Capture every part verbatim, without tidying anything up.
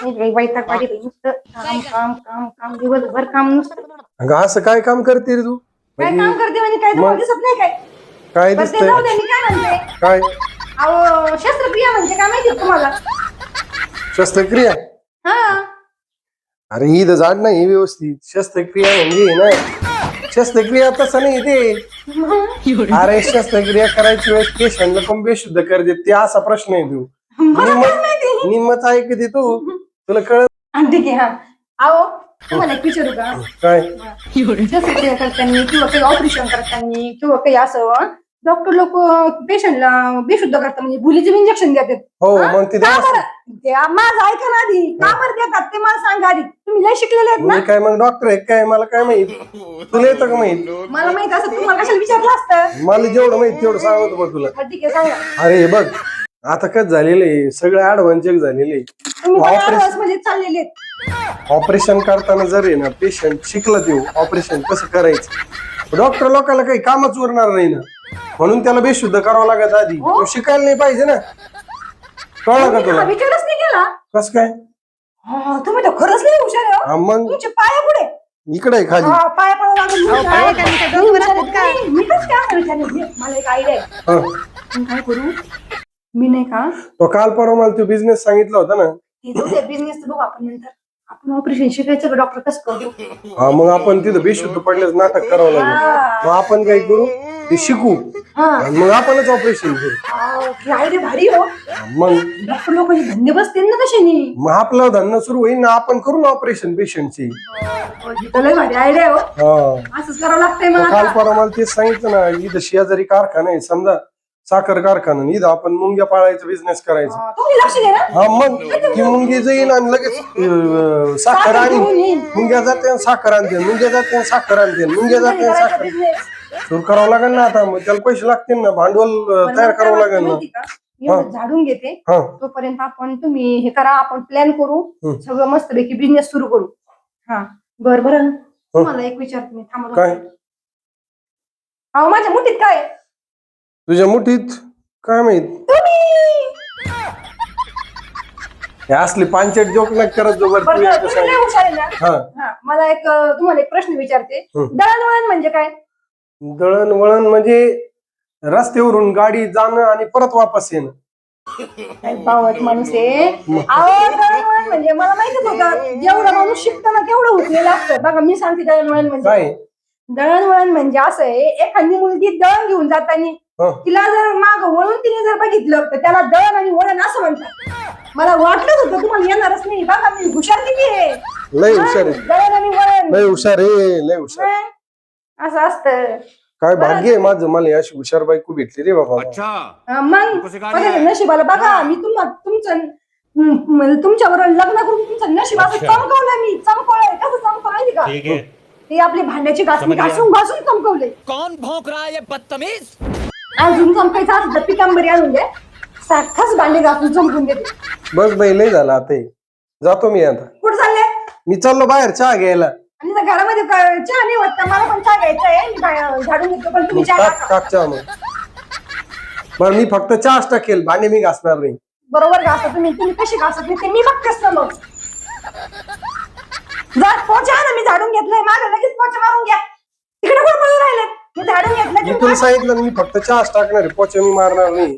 वैताग पाडी बाई, नुसतं काम काम काम काम दिवसभर काम नुसतं. अगं असं काय काम करते रे तू? काय म्हणजे काम करते म्हणजे काय तुम्हाला दिसत नाही काय? काय बरं ते दिसतंय? जाऊ दे, मी काय म्हणते, काय अहो शस्त्रक्रिया म्हणजे काय माहिती तुम्हाला? शस्त्रक्रिया? हा अरे ही तर झाड नाही व्यवस्थित. शस्त्रक्रिया म्हणजे हे ना, शस्त्रक्रिया तसं नाही ते. अरे शस्त्रक्रिया करायची वेळेस पेशंटला पण बेशुद्ध कर देत, ते असा प्रश्न आहे तू. मला निम्म काय माहिती. निम्मच ऐकते तू, तुला कळत आणि ठीक आहे, हा अहो तुम्हाला एक विचारू का? काय? शस्त्रक्रिया करताना किंवा काही ऑपरेशन करताना किंवा काही असं डॉक्टर लोक पेशंटला बेशुद्ध करतात, म्हणजे भुलीचे इंजेक्शन देतात. हो हा? मग ते का द्यावंच. बरं? ते माझं ऐका ना आधी, का बरं देतात ते मला सांगा आधी. तुम्ही लय शिकलेले आहेत ना. मी काय मग डॉक्टर आहे काय? मला काय माहित? तुला येतं का माहित? मला माहित असं तुम्हाला कशाला विचारलं असतं. मला जेवढं माहित तेवढं सांगतो बघ तुला. हा, ठीक आहे सांगा. अरे हे बघ, आता कच झालेलं आहे सगळं ऍडव्हान्स चेक झालेले. तुम्ही पण ऑपरेशन advance मध्ये चाललेले आहेत. ऑपरेशन करताना जर आहे ना पेशंट शिकला ते ऑपरेशन कसं करायचं, डॉक्टर लोकांना काही कामच उरणार नाही ना, म्हणून त्याला बेशुद्ध करावं लागत आधी. हो. तो शिकायला नाही पाहिजे ना. कळलं का तुम्ही तुला? हा विचारच नाही केला. कस काय? हा, तुम्ही तर खरंच नाही हुशार आहे, हो. हा, मग तुमचे पाय पुढे. इकडे आहे खाली. हा, पाय पडावं लागेल. अहो, पाय का नाही, काय डोक्यावर असतात का? मी मी कसं काय असं विचारलं? मला एक आयडिया आहे. हा. मी काय करू, मी नाही का तो काल परवा मला तो बिझनेस सांगितला होता ना. ते जाऊ द्या, बिझनेस बघू आपण नंतर. आपण ऑपरेशन शिकायचं का डॉक्टर कसं करू? हा मग आपण तिथं बेशुद्ध पडल्यास नाटक करावं लागेल. मग आपण काय करू, ते शिकू हा, आणि मग आपणच ऑपरेशन करू. आयडिया भारी हो. मग डॉक्टर लोकांचे धंदे बसते ना कशाने. मग आपलं धंदा सुरू होईल ना, आपण करू ना ऑपरेशन पेशंटची. लय भारी आयडिया हो. हा असंच करावं लागतंय मग काल आता. परवा मला तेच सांगितलं ना, इथं शेजारी कारखाना आहे समजा, साखर कारखाना, इथं आपण मुंग्या पाळायचा बिझनेस करायचा. हा, तुम्ही लक्ष द्या ना. हा मग ती मुंगी जाईल आणि लगेच अं, साखर आणि मुंग्या जाते आणि साखर आणते, मुंग्या जाते आणि साखर आणते, मुंग्या जाते आणि साखर बिझनेस सुरू करावं लागेल ना. आता मग त्याला पैसे लागतील ना, भांडवल अं, तयार करावं लागेल ना. एवढं झाडून घेते हा तोपर्यंत आपण तुम्ही हे करा, आपण प्लॅन करू, हम्म. सगळं मस्तपैकी बिझनेस सुरू करू. हा बर बर तुम्हाला एक विचारते मी, थांबा. काय? अहो माझ्या मुठीत काय आहे? तुझ्या मुठीत काय माहित? तुम्ही हे असली पांचट जोक नका करत जो बरं. बरं, तू बरं, एकटं तुम्ही सांग. लय हुशार आहे ना. हा हा, मला एक अं, तुम्हाला एक प्रश्न विचारते. हम्म. दळणवळण म्हणजे काय? दळणवळण म्हणजे रस्त्यावरून गाडी जाणं आणि परत वापस येणं. काय बावट माणूस आहे. अहो दळणवळण म्हणजे मला माहितीच होतं, जेवढं माणूस शिकताना तेवढं हुकलेलं असतं. बघा मी सांगते दळणवळण म्हणजे काय? दळणवळण म्हणजे असं आहे, एखादी मुलगी दळण घेऊन जाताना हं. तिला जर माग वळून तिने जर बघितलं तर त्याला दळण आणि वळण असं म्हणतात. मला वाटलंच होतं तुम्हाला येणारच नाही. बघा मी हुशार किती आहे. लय हुशार आहे, दळण आणि वळण लय हुशार आहे, लय हुशार. मग असं असतं. काय भाग्य आहे माझं, मला अशी हुशार बायको भेटली रे बाबा. हा, मग बघा नशिबाला बघा, मी तुम्हाला तुमचं हम्म, तुमच्यावर लग्न करून तुमचं नशीब असं चमकवलंय. मी चमकवलंय. कसं चमकवलं माहिती का? ठीक है ते आपली भांड्याची घासून घासून घासून चमकवले. कौन भौंक रहा है ये बदतमीज? अजून चमकायचं असं तर पितांबरी आणून दे, सारखाच भांडे घासून चमकून देते. बस बाई लय झालं आता हे. जातो मी आता. कुठं चालले? मी चाललो बाहेर चहा घ्यायला. आणि त्या घरामध्ये क- चहा नाही वाटत, मला पण चहा घ्यायचा आहे. मी बाहेर झाडून घेतो, पण तुम्ही चहा टाक टाका. टाक चहा मग. बरं मी फक्त चहाच टाकेल, भांडे मी घासणार नाही. बरोबर घासा तुम्ही. तुम्ही कशी घासत नाही ते मी बघतेच ना. मग जा पोचा ना, मी झाडून घेतलंय. मागे लगेच पोचा मारून घ्या. तिकडे कुठे पळून राहिले? मी झाडून घेतलं मी की तुला सांगितलं ना, मी फक्त चहाच टाकणार आहे, पोचे मी मारणार नाही.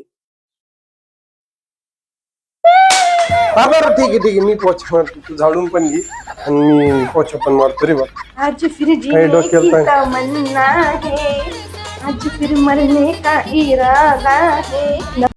हा बरं ठीक आहे ठीक आहे, मी पोचे मारतो, तू झाडून पण घे आणि मी पोचे पण मारतो रे बा. आज फिर काही जीने डोक्याला की ताण. तमन्ना है, आज फिर मरने का इरादा है.